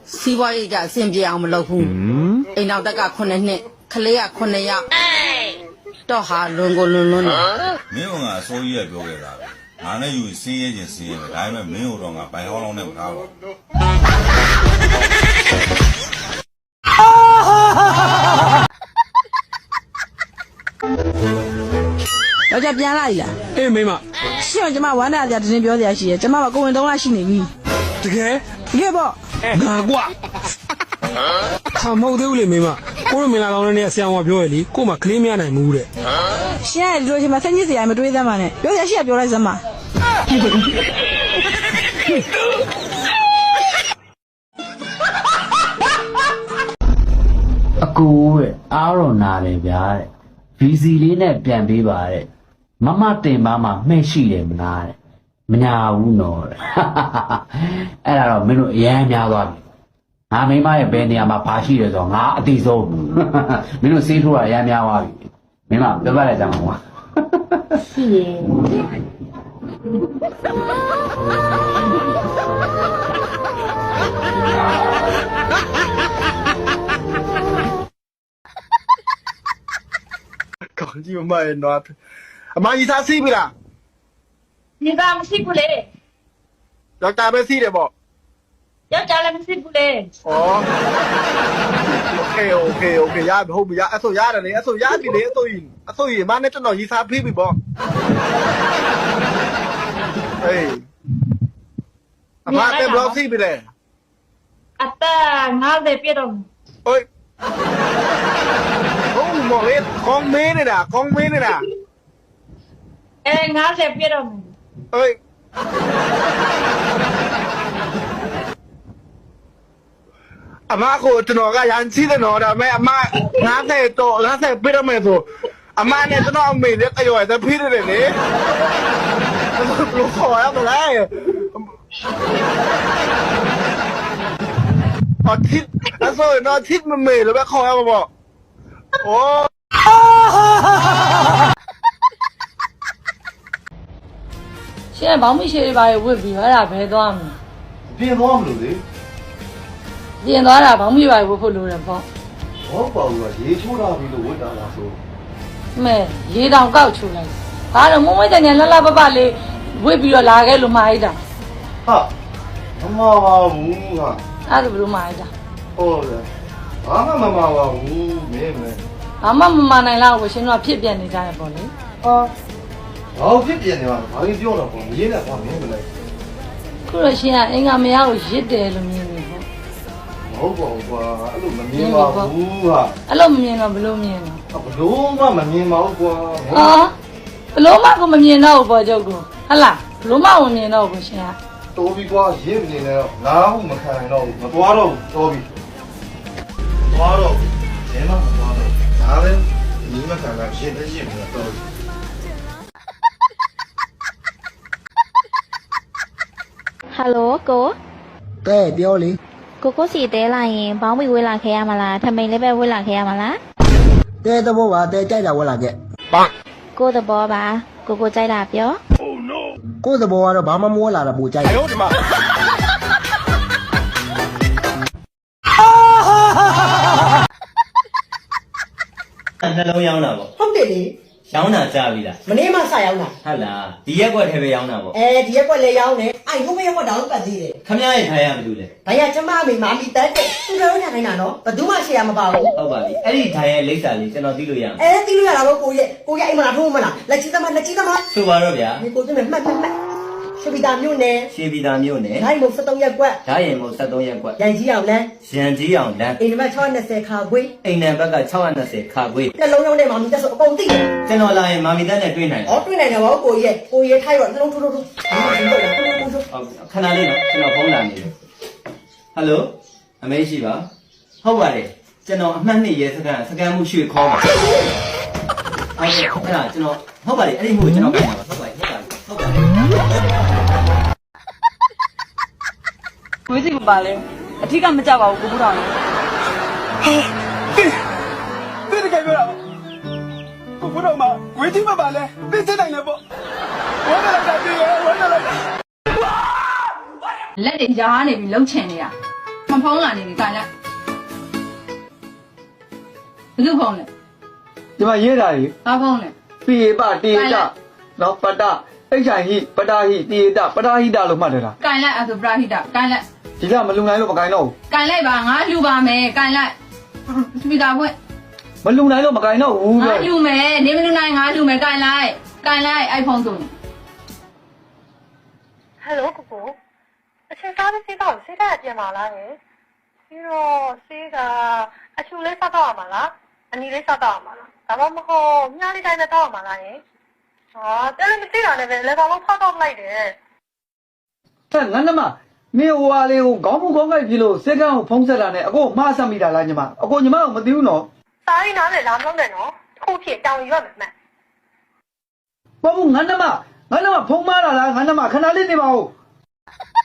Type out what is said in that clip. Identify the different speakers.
Speaker 1: စီးပွားရေးကြအဆင်ပြေအောင်မလုပ်ဘူးအိမ်နောက်တက်က9နှစ်ခလေးက9ယောက်တော့ဟာလွန်ကိုလွန်လွန်းတယ်
Speaker 2: မင်းကအစိုးရပြောခဲ့တာပဲငါနဲ့ယူစင်းရဲချင်းစင်းရဲပဲဒါပေမဲ့မင်းတို့တော့ငါဘိုင်ဟောင်းလုံးနဲ့မထားပါဘူး
Speaker 3: ယောက်ျားပြန်လာပြီလား
Speaker 4: အေးမိမ
Speaker 3: ရှင့်ကျမဝမ်းနာကြတင်းပြောစရာရှိရကျမကကိုဝင်3လရှိနေပြီ
Speaker 4: တကယ်
Speaker 3: ပေါ့
Speaker 4: ငါကွာဟာမဟုတ်သေးဘူးလေမိမကိုတို့မင်လာကောင်းတဲ့ဆရာမပြောရလေကို့မှာကလေးမရနိုင်ဘူးတဲ့
Speaker 3: ရှင့်ကဒီလိုချိန်မှာဆက်ညစ်စရာမတွေးသမ်းပါနဲ့ပြောစရာရှိရပြောလိုက်စမ်းပါ
Speaker 5: အကူတဲ့အားရောနာတယ်ဗျာတဲ့ဗီစီလေးနဲ့ပြန်ပေးပါတဲ့မမတင်ပါမှမှဲ့ရှိတယ်မလားတဲ့မညာဘူးနော်တဲ့အဲ့ဒါတော့မင်းတို့အရန်များသွားပြီငါမိမရဲ့ဘယ်နေရာမှာဘာရှိတယ်ဆိုတော့ငါအတိဆုံးမင်းတို့စေးထိုးတာအရန်များသွားပြီမင်းမပြောပြလိုက်ကြမှာကွာ
Speaker 3: ရှိရဲ့
Speaker 6: ကောင်းကြီးမရဲ့နော်အမကြီးသားစီးပြီလား
Speaker 7: 你咋没洗过嘞？
Speaker 6: ယောက်ျားပဲစီးတယ်ပေါ့
Speaker 7: 要叫他们洗过嘞？
Speaker 6: ဩโอเคရပြီဟုတ်ပြီရအဲ့ဆိုရတယ်လေအဲ့ဆိုရပြီလေအဲ့ဆိုရင်မနဲ့ကျွန်တော်ရီစားဖိပြီပေါ့ဟေးအမတဲ့ဘလော့စီးပြီလေ
Speaker 7: 啊，哒，俺在别动。
Speaker 6: ဟိုဟုတ်မော်လေကောင်းမင်းနေတာ
Speaker 7: 哎，俺在别动。
Speaker 6: ဟိုအမကိုကျွန်တော်ကရန်စီးတယ်နော်ဒါပေမဲ့အမ90ပြတော့မယ်ဆိုအမနဲ့ကျွန်တော်အမေနဲ့တရော်ရဖိတယ်လေဘယ်လိုခေါ်ရမလဲအထစ်အဲ့ဆိုတော့ထစ်မမေလို့ပဲခေါ်ရမှာပေါ့โอ้
Speaker 3: ရှင့်ဘောင်းမရှိတွေပါရဝစ်ပြီးအဲ့ဒါဘယ်သွားမလဲ
Speaker 6: ပြင်သွားမလို့လေ
Speaker 3: ပြင်သွားတာဘောင်းမရှိပါရဝစ်ဖို့လိုတယ်ပေါ့
Speaker 6: ဟောပေါ့ကရေချိုးတာပြီးလို့ဝတ်တာလားဆို
Speaker 3: မဲရေတောင်ကောက်ချိုးလိုက်ဒါတော့မုံမွေးတဲ့ညလှလှပပလေးဝစ်ပြီးတော့လာခဲ့လို့မှားလိုက်တာ
Speaker 6: ဟာမမပါဘူးဟာ
Speaker 3: အဲ့ဒါဘယ်လိုမှားလိုက်တာ
Speaker 6: ဟုတ်တယ်ဘာမှမမပါဘူးမင်း
Speaker 3: ဘာမှမမှန်နိုင်လောက်ကိုရှင်တို့ကဖြစ်ပြန်နေကြရပေါ့လေ
Speaker 6: ဘာဖြစ်ပြန်နေမှာဘာကြီးပြောတော့ပေါ့မင်းနဲ့ဘာမင်းမလဲ
Speaker 3: ခုတော့ရှင်ကအင်္ဂါမရကိုရစ်တယ်လို့မြင်နေပေါ့
Speaker 6: မဟုတ်ပါဘူးကွာအဲ့လိုမမြင်ပါဘူးဟာ
Speaker 3: အဲ့လိုမမြင်တော့ဘလို့မြင်တော့
Speaker 6: ဘလို့မှမမြင်ပါဘူးကွာ
Speaker 3: ဟာဘလို့မှကိုမမြင်တော့ဘူးပေါ့ကျုပ်ကဟဟလားဘလို့မှမမြင်တော့ဘူးရှင်က
Speaker 6: တော်ပြီကွာရစ်နေတယ်တော့ငါ့ဟုမခံနိုင်တော့ဘူးမသွားတော့ဘူးတော်ပြီသွားတော့ဘယ်မှမသွားတော့ဒါလည်းညီမခံတာရှင်းနေတော့တော်ပြီ
Speaker 8: ဟယ်လိုကို
Speaker 9: တဲ့ပြောလေ
Speaker 8: ကိုစီတဲလာရင်ဘောင်းမီဝေးလာခဲ့ရမလားထမိန်လေးပဲဝေးလာခဲ့ရမလား
Speaker 9: တဲ့သဘောပါတဲ့ကြိုက်တာဝက်လာခဲ့
Speaker 8: ကိုသဘောပါကိုကြိုက်တာပြော
Speaker 9: ကိုသဘောကတော့ဘာမှမဝက်လာတာပူကြိုက်တယ်ဒီမှာ
Speaker 10: နှလုံးရောင်းတာပေါ့
Speaker 11: ဟုတ်တယ်လေ
Speaker 10: ရောင်းတာကြားပြီလား
Speaker 11: မနေ့မှစရောင်းတာ
Speaker 10: ဟုတ်လားဒီရက်ကွက်ထဲပဲရောင်းတာပေါ့
Speaker 11: ဒီရက်ကွက်လည်းရောင်းတယ်အဲ့ဟိုဘက်ရက်ကွက်တောင်ပတ်သေးတယ်
Speaker 10: ခမရရဲ့ထိုင်ရမလို့လေ
Speaker 11: ဒါရကျမမေမာမီတက်တဲ့သူတို့ထိုင်နေတာနော်ဘယ်သူမှရှေ့ရမပါဘူး
Speaker 10: ဟုတ်ပါပြီအဲ့ဒီထိုင်ရဲ့လိပ်စာလေးကျွန်တော်သိလို့ရအောင်
Speaker 11: သိလို့ရတာပေါ့ကိုရဲ့အိမ်မလားထိုးမလားလက်ကြီးသမား
Speaker 10: ဆိုပါတော့ဗျာ
Speaker 11: ဒီကိုကျမမှတ်ရှေးပီတာမြို့နယ်
Speaker 10: ဒိုင်း
Speaker 11: မုံ73ရက်ကွက်
Speaker 10: ဓာရင်မုံ73ရက်ကွက်
Speaker 11: ရန်ကြီးအောင်လမ်း
Speaker 10: အိမ်နံပါတ်
Speaker 11: 620ခါခွေး
Speaker 10: အိမ်နံပါတ်က620ခါခွေး
Speaker 11: နှလုံးရောင်းတဲ့မာမီတက်ဆိုအကုန်သိတယ်
Speaker 10: ကျွန်တော်လာရင်မာမီတက်နဲ့တွေ့နိုင်တယ်
Speaker 11: တွေ့နိုင်တယ်ဗောကိုရဲ့ထိုက်တော့နှလုံးထိုးခဏလေးနော်
Speaker 10: ကျွန်တော်ဖုန်းလာနေတယ်ဟယ်လိုအမေရှိပါဟုတ်ပါတယ်ကျွန်တော်အမှတ်2ရဲစကန်မှုရွှေခေါ်ပါဟုတ်ကဲ့အဲ့ဒါကျွန်တော်ဟုတ်ပါတယ်အဲ့ဒီမှုကိုကျွန်တော်ပြန်ပါဟုတ်ပါတယ်
Speaker 3: ဝေးစီမပါလဲအထီးကမကြောက်ပါဘူးကိုဘူးတော်လေ
Speaker 4: တဲ့တကယ်ပြောတာကိုဘုတော်မှာဝေးစီမပါလဲသိစတဲ့နိုင်လဲပေါ့ဝမ်းလာတာပြေးဝမ်းလာတာ
Speaker 3: လက်တွေရားနေပြီးလှုပ်ချင်နေတာမဖုန်းလာနေပြီကန်လိုက်ဘယ်သူဖုန်းလဲ
Speaker 10: ဒီမှာရေးတာကြီး
Speaker 3: ဘာဖုန်းလဲ
Speaker 10: ပိယပတေတနော်ပတအိတ်ချိုင်ဟိပတာဟိတေတပတာဟိတလို့မှတ်တယ်လား
Speaker 3: ကန်လိုက်အဲ့ဒါပရာဟိတကန်လိုက်
Speaker 10: ဒီကမလုံနိုင်လို့မကိုင်းတော့ဘူး
Speaker 3: ကန်လိုက်ပါငါလှူပါမယ်ကန်လိုက်စပီကာဖွင့်
Speaker 10: မလုံနိုင်လို့မကိုင်းတော့ဘူး
Speaker 3: ငါလှူမယ်နေမလှူနိုင်ငါလှူမယ်ကန်လိုက်အိုက်ဖုန်းဆိုနေ
Speaker 7: ဟယ်လိုကိုကိုအချင်းစားပြီးစေးတော့စေးတဲ့ပြန်ပါလားဟဲ့ပြီးတော့စေးကအချူလေးစားတော့မှာလားအနီလေးစားတော့မှာလားဒါမှမဟုတ်မြားလေးတိုင်းနဲ့တော့မှာလားဟဲ့ဟာတယ်လည်းမသိတာနဲ့ပဲလက်ကောင်လုံးဖောက်တော့လိုက်တယ်
Speaker 10: ဟဲ့ငါနမမင်းဟိုဟာလေးကိုခေါင်းမူခေါင်းကိုက်ပြီလို့စက်ကန်းကိုဖုံးဆက်တာနဲ့အကိုမှားဆက်မိတာလားညီမအကိုညီမကမသိဘူးနော်
Speaker 7: စားရင်းနားနဲ့လာမလို့နဲ့နော်ခုဖြစ်တောင်းရွက်မယ်မှန်
Speaker 10: ဘာဘူးငါနမဖုံးမားတာလားငါနမခဏလေးနေပါဦး